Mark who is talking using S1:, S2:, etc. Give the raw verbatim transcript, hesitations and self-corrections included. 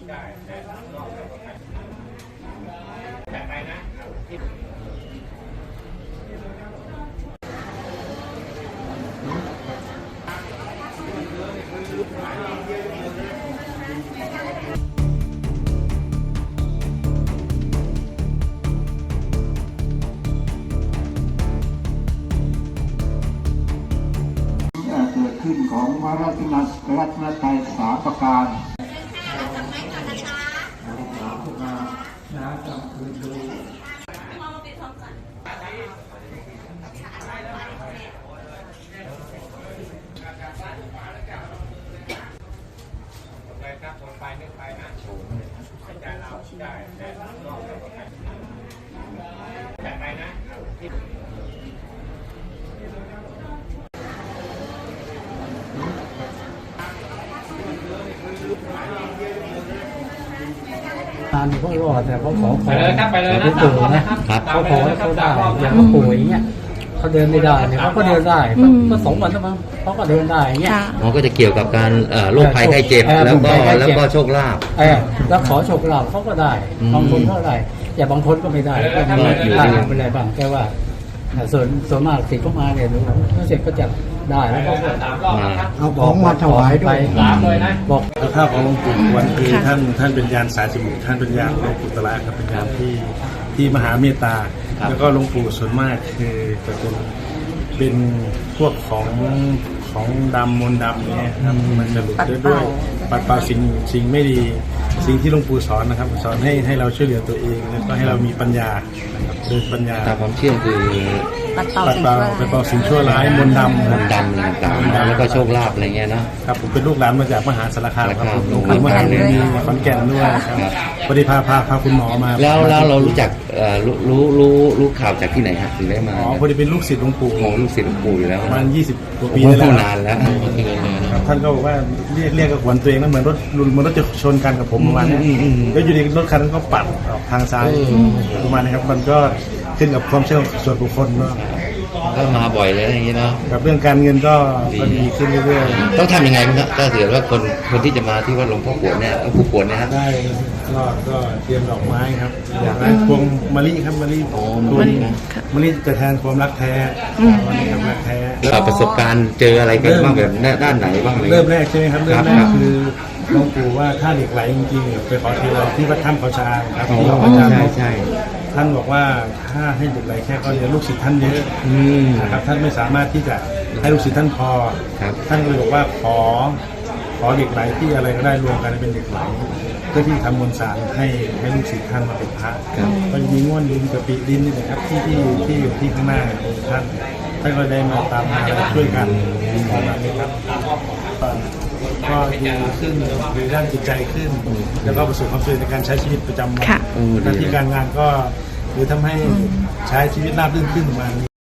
S1: ได้แต่รอบแล้วก็แต่ไปนะที่
S2: เกิดขึ้นของพระรัตนรัตนตรัยสามประการสามประการนะจำคืนดู
S1: ไปครับคนไปนึกไปนะแต่เราได้แต่รอบแล้วก็แต่ไปนะที่
S3: การเขารอดเนี่ยเขาขอขอ
S1: ไปเลยครับไปเลยนะ
S3: ปู่นะครับเขาขอให้เขาได้อย่างเขาป่วยอย่างเงี้ยเขาเดินไม่ได้เนี่ยเขาก็เดินได้ก็สองวันแล้วมั้งเขาก็เดินได้อย่างเงี้ย
S4: มันก็จะเกี่ยวกับการโรคภัยไข้เจ็บแล้วก็แล้วก็โชคลาภ
S3: เออแล้วขอโชคลาภเขาก็ได้บางคนก็ได้แต่บางคนก็ไม่ได้ก็มีได้ไม่ได้บางแค่ว่าส่วนส่วนมากสิเขามาเนี่ยถ้าเสร็จก็จะได้แล้วก็เอาของมาถวายด้วยบอก
S5: ข้าวของหลวงปู่วันคือท่านท่านเป็นยานสายสมุทรท่านเป็นยานหลวงปู่ตระครับเป็นยานที่ที่มหาเมตตาแล้วก็หลวงปู่ส่วนมากคือจะเป็นเป็นพวกของของดำมนต์ดำเนี่ยครับมันจะหลุดได้ด้วยปัดเป่าสิ่งสิ่งไม่ดีสิ่งที่หลวงปู่สอนนะครับสอนให้ให้เราช่วยเหลือตัวเองแล้วก็ให้เรามีปัญญานะครับโดยปัญญา
S4: ตามความเชื่อคือ
S5: ปัดเป่าปัดเป่าสิ่งชั่วร้ายมนต์ดำ
S4: มนต์ดำอะไรต่างๆแล้วก็โชคลาภอะไรเงี้ยนะครับ
S5: ผมเป็นลูกหลานมาจากมหาสารคามครับผม
S4: ขอนแก่น
S5: อยู่มหาวิทยาลัยขอนแก่นด้วยครับพอดีพาพาพาคุณหมอมา
S4: แล้วแล้วเรารู้จักรู้รู้รู้รู้ข่าวจากที่ไหนฮะถึงได้มา
S5: อ๋อพอดีเป็นลูกศิษย์หลวงปู่
S4: โอ้ลูกศิษย์หลวงปู่อยู่แล้ว
S5: ประมาณยี่สิบกว่าปี
S4: โอ้
S5: แล้ว
S4: นานแล้ว
S5: ครับท่านก็บอกว่าเรียกเรียกกับหวนตัวเองแล้วเหมือนรถเหมือนรถจะชนกันกับผมประมาณนี้แล้วอยู่ดีรถคันนั้นก็ปัดออกทางซ้ายประมาณนี้ครับมันก็ขึ้นกับความเชื่อส่วนบุคคลเนาะ
S4: ก็มาบ่อยเลยอย่างนี้เนาะ
S5: กับเรื่องการเงินก็ก็ดีขึ้นเรื่อยๆ
S4: ต้องทำยังไงบ้างครับถ้าเกิดว่าคนคนที่จะมาที่วัดหลวงพ่อปวดเนี่ยผู้ปวดเนี่ยครับ
S5: ได้ก็ก็เตรียมดอกไม้ครับดอกไม้พวงมะลิครับมะลิ
S4: โอ้มะลินะ
S5: มะลิจะแทนความรักแท้วันนี้ครับรักแท้
S4: แล้วประสบการณ์เจออะไรกันบ้างแบบด้านไหนบ้างอะไร
S5: เริ่มแรกใช่ไหมครับเริ่มแร
S4: ครั
S5: ก
S4: บ
S5: คือหลวงปู่ว่าถ้าเหล็กไหลจริงๆไปขอทีเราที่วัดถ้ำเขาชาครับ
S4: โอ้
S5: ที่เขาชา
S4: ใช่ใช่
S5: ท่านบอกว่าถ้าให้เหล็กไหลแค่ก็เยอะลูกศิษย์ท่านเยอะ
S4: อืม
S5: นะครับท่านไม่สามารถที่จะให้ลูกศิษย์ท่านพอ
S4: ครับ
S5: ท่านก็เลยบอกว่าขอขอเหล็กไหลที่อะไรก็ได้รวมกันเป็นเหล็กไหลเพื่อที่ทำมวลสารให้ให้ลูกศิษย์ท่านมาเป็นพระ
S4: ครับ
S5: ก็จะมีง่วนดินกับปีดินนี่นะครับที่ที่ที่อยู่ที่ข้างหน้าองค์ท่านท่านก็ได้มาตามมาและช่วยกันประมาณนี้ครับก็ดีขึ้นในด้านจิตใจขึ้น แล้วก็ประสบความสำเร็จในการใช้ชีวิตประจำวัน
S6: ค่ะ
S5: หน้าที่การงานก็หรือทำให้ใช้ชีวิตราบรื่นขึ้นประมาณนี้